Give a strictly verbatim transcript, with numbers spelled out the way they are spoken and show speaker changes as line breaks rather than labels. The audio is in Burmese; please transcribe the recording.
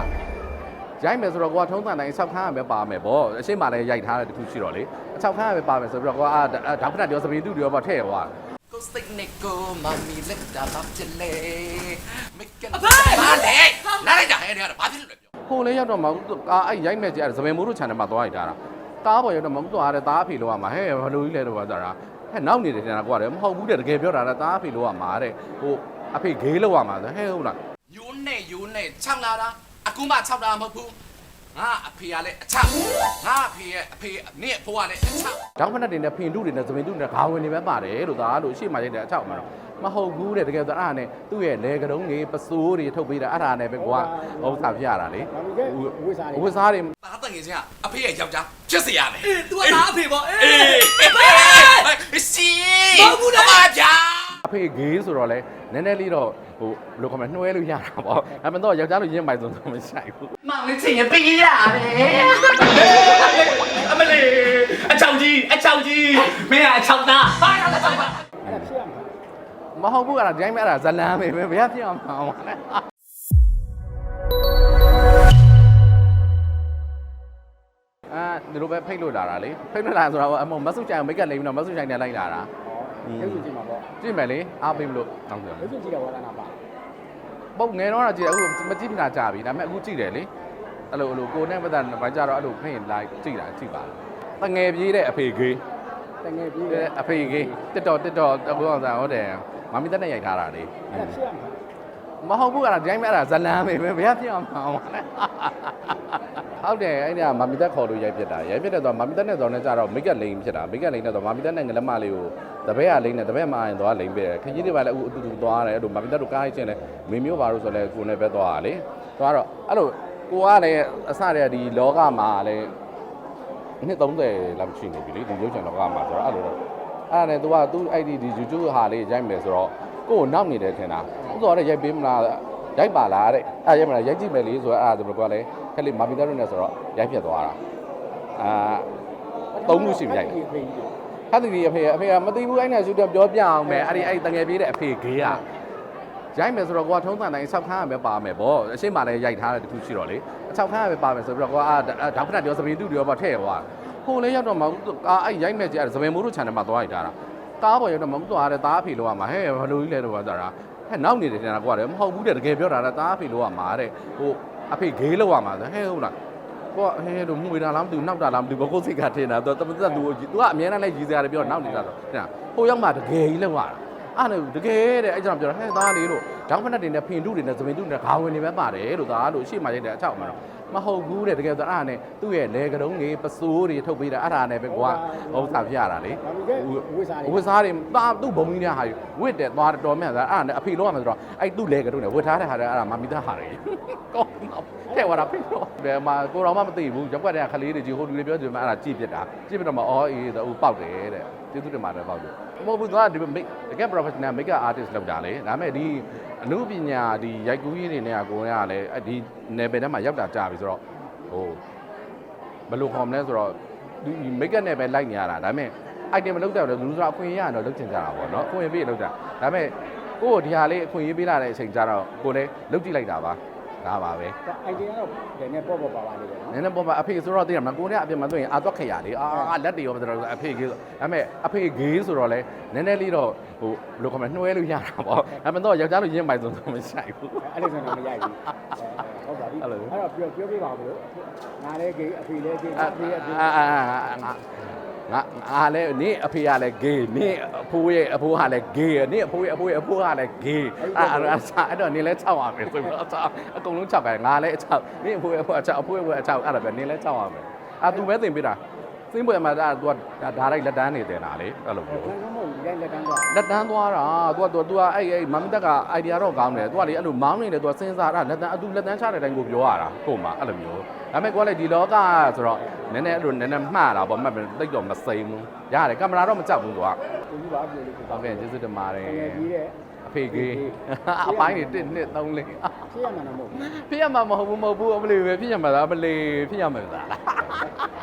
ရိုက်မယ်ဆိုတော့ကိုကထုံးစံတိုင်း၆ခန်းရပဲပါမယ်ပေါ့အရှိမလည်းရိုက်ထားတဲ့တခုရှိတော့လေ၆ခန်းရပဲပါမယ်ဆိုပြီးတော့ကိုကအာဒေါက်တာပြောစပင်းတူပြောပေါ့ထည့်သွားကိုစိတ်နဲ့ကိုမမီလက်တာဘာဖြစ်လဲမိကဘာလဲနားလိုက်တာဟဲ့နေရဘာဖြစ်လို့လဲဟိုလေရောက်တော့မဟုတ်ကားအဲ့ရိုက်မဲ့ကြအဲ့စပင်းမိုးတို့ channel မှာသွားရိုက်တာကားပေါ်ရောက်တော့မဟုတ်သွားတယ်တားအဖေလို့ရမှာဟဲ့ဘလို့ကြီးလဲတော့ပါတာဟဲ့နောက်နေတယ်တင်တာကွာတယ်မဟုတ်ဘူးတဲ့တကယ်ပြောတာတားအဖေလို့ရမှာတဲ့ဟိုအဖေဂေးလို့ရမှာဟဲ့ဟုတ်လားယိုးနဲ့ယိုးနဲ့၆လာတာအခုမှ၆လာမဟုတ်ဘူးငါအဖေကလည်းအချောက်ငါအဖေရဲ့အဖေနင့်အဖိုးကလည်းအချောက်ဒေါက်ဖက်တွေနဲ့ဖင်တုတွေနဲ့သမင်တုတွေနဲ့ခေါင်းဝင်တွေပဲပါတယ်လို့သားလို့အရှိမရိုက်တဲ့အချောက်မှာတော့မဟုတ်ဘူးတဲ့တကယ်ဆိုအဲ့ဒါနဲ့သူ့ရဲ့လေကတုံးတွေပစိုးတွေထုတ်ပေးတာအဲ့ဒါနဲ့ပဲကွာဥစ္စာပြရတာလေ
ဝိစားတွေ
ဝိစားတွေ
သားတငယ်ချင်းကအဖေရဲ့ယောက်ျားဖြစ်စေရမယ်
အေး तू ကသားအဖေပေါ့အေး
အေးစီဘာဘူးလဲအဗျာ
အဖေဂေးဆိုတော့လေနည်းနည်းလေးတော့ဟိုဘယ်လိုခေါ်မလဲနှွှဲလို့ရတာပေါ့အမှန်တော့ယောက်ျားလို့ရင်းပိုင်ဆိုတော့မဆိုင်ဘူး
မောင်လေးချင်းရပေးရတယ်အမလေးအချောင်ကြီးအချောင်ကြီးမင်းကအချောင်သားဘာလဲအချောင်သား
အဲ့ဒါဖြစ်ရမှာ
မဟုတ်ဘူးအဲ့ဒါဒီတိုင်းပဲအဲ့ဒါဇလန်းပဲဘယ်ရဖြစ်အောင်မှာလဲအာဒီလိုပဲဖိတ်လို့လာတာလေဖိတ်လို့လာဆိုတော့အမမဆုချိုင်မိတ်ကလိမ့်ပြီးတော့မဆုချိုင်နဲ့လိုက်လာတာ
ရုပ်ရှင်ကြည့်မှာပေါ့
ကြည့်မယ်လေအားပေးမလို့တောင်းတယ်
ရုပ်ရှင်ကြည့်တော့ဝါသနာပါ
ပုတ်ငယ်တော့ကြည့်တယ်အခုမကြည့်ပြတာကြာပြီဒါပေမဲ့အခုကြည့်တယ်လေအဲ့လိုအဲ့လိုကိုနဲ့ပတ်သက်ဘာကြတော့အဲ့လိုဖိတ်ရင်လိုက်ကြည့်တာကြည့်ပါတငယ်ပြေးတဲ့အဖေဂေး
တငယ်ပြေး
တဲ့အဖေဂေးတက်တော်တက်တော်တကူအောင်စားဟုတ်တယ်မမီတက်နဲ့ရိုက်ထားတာလေ
အဲ့ဒါဖြစ်ရမှာ
မဟုတ်ဘူးအဲ့ဒါဒီတိုင်းပဲအဲ့ဒါဇလန်းပဲဘယ်ရဖြစ်အောင်မှာလဲဟုတ်တယ်အဲ့ဒါမမီတက်ခေါ်လို့ရိုက်ဖြစ်တာရိုက်ဖြစ်တဲ့ဆိုမမီတက်နဲ့ဆိုတော့ကြတော့မိတ်ကလိန်ဖြစ်တာမိတ်ကလိန်နဲ့ဆိုမမီတက်နဲ့ငလက်မလေးကိုတပည့်ကလိန်နဲ့တပည့်မရင်တော့လိန်ပေးတယ်ခကြီးတွေပါလဲအခုအတူတူသွားတယ်အဲ့လိုမမီတက်တို့ကားချင်းလဲမင်းမျိုးပါလို့ဆိုလဲကိုနဲ့ပဲသွားတာလေသွားတော့အဲ့လိုကိုကလည်းအစတည်းကဒီလောကမှာလည်းနှစ်သုံးဆယ်လောက်ရှိနေပြီလေဒီရုပ်ရှင်လောကမှာဆိုတော့အဲ့လိုတော့အဲ့ဒါနဲ့ तू က तू အဲ့ဒီဒီ YouTube ဟာလေးရိုက်မယ်ဆိုတော့ကိုကိုနောက်နေတယ်ထင်တာဥစ္စာတော့ရိုက်ပေးမလားရိုက်ပါလားတဲ့အဲ့ရိုက်မလားရိုက်ကြည့်မယ်လေဆိုတော့အဲ့ဒါဆိုတော့လည်းခက်လေးမာမီတာတို့နဲ့ဆိုတော့ရိုက်ပြတ်သွားတာအာသုံးခုရှိပြီရိုက်ဟာဒီအဖေအဖေကမသိဘူးအဲ့နဲ့ရှူတော့ပြောပြအောင်မယ်အဲ့ဒီအဲ့တငယ်ပြေးတဲ့အဖေဂေးကရိုက်မယ်ဆိုတော့ကိုကထုံးစံတိုင်း၆ခန်းရပဲပါမယ်ပေါ့အရှိမလည်းရိုက်ထားတဲ့တခုရှိတော့လေ၆ခန်းရပဲပါမယ်ဆိုပြီးတော့ကိုကအာဒေါက်တာပြောစပင်းတူပြောပေါ့ထည့်သွားဟိုလေရောက်တော့မဟုတ်ကားအဲ့ရိုက်မဲ့ကြအဲ့စပင်းမိုးတို့ channel မှာသွားရိုက်ထားတာကားပေါ်ရောက်တော့မဟုတ်သွားတယ်တားအဖေလို့ရမှာဟဲ့ဘလို့ကြီးလဲတော့ပါတာဟဲ့နောက်နေတယ်တင်တာကွာတယ်မဟုတ်ဘူးတဲ့တကယ်ပြောတာတားအဖေလို့ရမှာတဲ့ဟိုအဖေဂေးလို့ရမှာဟဲ့ဟုတ်လားကိုကဟဲ့တို့မှုေတာလားမသိဘူးနောက်တာလားမသိဘူးဘကိုစိတ်ကထင်တာသူတမသက်သူသူကအမြဲတမ်းလဲရည်စရာတွေပြောနောက်နေတာတော့တင်ဟိုရောက်မှတကယ်ကြီးလောက်ရတာအဲ့ဒါတကယ်တဲ့အဲ့ကြောင့်ပြောတာဟဲ့သားလေးလို့ဒေါက်ဖက်တွေနဲ့ဖင်တုတွေနဲ့သမင်တုတွေနဲ့ခေါင်းဝင်တွေပဲပါတယ်လို့သားလို့အရှိမရိုက်တဲ့အချောက်မှာတော့မဟုတ်ဘူးတဲ့တကယ်ဆိုအဲ့ဒါနဲ့သူ့ရဲ့လေကတုံးတွေပစိုးတွေထုတ်ပေးတာအဲ့ဒါနဲ့ပဲကွာဥစ္စာပြရတာလေ
ဝိစားတွေ
ဝိစားတွေတာသူ့ဘုံကြီးနဲ့ဟာဝစ်တယ်သွားတော်မြတ်သားအဲ့ဒါနဲ့အဖေလုံးရမှာဆိုတော့အဲ့သူ့လေကတုံးနဲ့ဝစ်ထားတဲ့ဟာတွေအဲ့ဒါမမီသားဟာတွေကောင်းတော့ထဲဝါတာဖိတော့ဒီမှာကိုတော်မှမသိဘူးရက်ွက်တဲ့ခလေးတွေကြီးဟိုလူတွေပြောတယ်မှာအဲ့ဒါကြည့်ပြစ်တာကြည့်ပြတော့မှအော်အေးသူပေါက်တယ်တဲ့ကျေးဇူးတင်ပါတယ်ပေါက်တယ်မဟုတ်ဘူးသူကဒီတကယ် professional makeup artist လောက်တာလေဒါပေမဲ့ဒီအမှုပညာဒီရိုက်ကူးကြီးတွေနဲ့ကကိုယ်ကလည်းဒီ level ထဲမှာရောက်တာကြာပြီဆိုတော့ဟိုဘယ်လိုခေါ်မလဲဆိုတော့ဒီ makeup နဲ့ပဲလိုက်နေရတာဒါပေမဲ့ item မလုပ်တော့လူဆိုအခွင့်အရေးရတော့လုပ်ချင်ကြတာပေါ့နော်အခွင့်အရေးပေးလုပ်တာဒါပေမဲ့ကိုယ့်ကိုဒီဟာလေးအခွင့်အရေးပေးလာတဲ့အချိန်ကျတော့ကိုယ်လည်းလုပ်ကြည့်လိုက်တာပါဒါပါပဲ
idea ကတော့နည်းနည်းပေါ့ပေါ့ပါပါလေးပဲနော်
နည်းနည်းပေါ့ပါအဖေဆိုတော့သိရမှာကိုယ်နဲ့အပြင်မှာဆိုရင်အာတော့ခရလေအာလက်တွေရောဆိုတော့အဖေကြီးဒါပေမဲ့အဖေဂေးဆိုတော့လဲနည်းနည်းလေးတော့ဟိုဘယ်လိုခေါ်မလဲနှွှဲလို့ရတာပေါ့အမှန်တော့ယောက်ျားလို့ရင်းပိုင်ဆိုတော့မဆိုင်ဘူး
အဲ့လိုဆိုတော့မရိုက်ဘူးဟုတ်ပါပြီအဲ့တော့ပြောပြောပြပါဦးလို့ငါလည်းဂေးအဖေလည်းဂေးအဖေအဖေ
အာအာငါငါအားလဲနင့်အဖေကလည်းဂေးနင့်အဖိုးရဲ့အဖိုးကလည်းဂေးနင့်အဖိုးရဲ့အဖိုးရဲ့အဖိုးကလည်းဂေးအဲ့အဲ့အဲ့တော့နင်လဲ၆ရမယ်ဆိုတော့အကုန်လုံး၆ပဲငါလည်း၆နင့်အဖိုးရဲ့အဖိုးက၆အဖိုးရဲ့အဖိုးက၆အဲ့ဒါပဲနင်လဲ၆ရမယ်အာ तू ပဲသင်ပေးတာသင်ပွဲမှာဒါ तू ဒါဒါလိုက်လက်တန်းနေတယ်နာလေအဲ့လိုမျိုး
လက်တန်းသွား
လက်တန်းသွားတာ तू က तू ကအဲ့အဲ့မမတက်က idea တော့ကောင်းတယ် तू ကလေအဲ့လိုမောင်းနေတယ် तू စဉ်းစားတာလက်တန်းအတူလက်တန်းချတဲ့အတိုင်းကိုပြောရတာကို့မှာအဲ့လိုမျိုးဒါပေမဲ့ကိုကလည်းဒီလောကဆိုတော့နည်းနည်းအဲ့လိုနည်းနည်းမှားတာပေါ့မှတ်တယ်တိတ်တော့မစိမ့်ဘူးရတယ်ကင်မရာတော့မကြောက်ဘူး तू က
ကိုကြီးပါပြောလို့
ဟုတ်ကဲ့ကျေးဇူးတင်ပါတယ်
တကယ်ကြီးတဲ့
အဖေကြီးအပိုင်းတွေတစ်နှစ်သုံးလေး
ဖြစ်ရမှာမဟုတ်ဘူး
ဖြစ်ရမှာမဟုတ်ဘူးမဟုတ်ဘူးအမလေးပဲဖြစ်ရမှာလားအမလေးဖြစ်ရမှာလား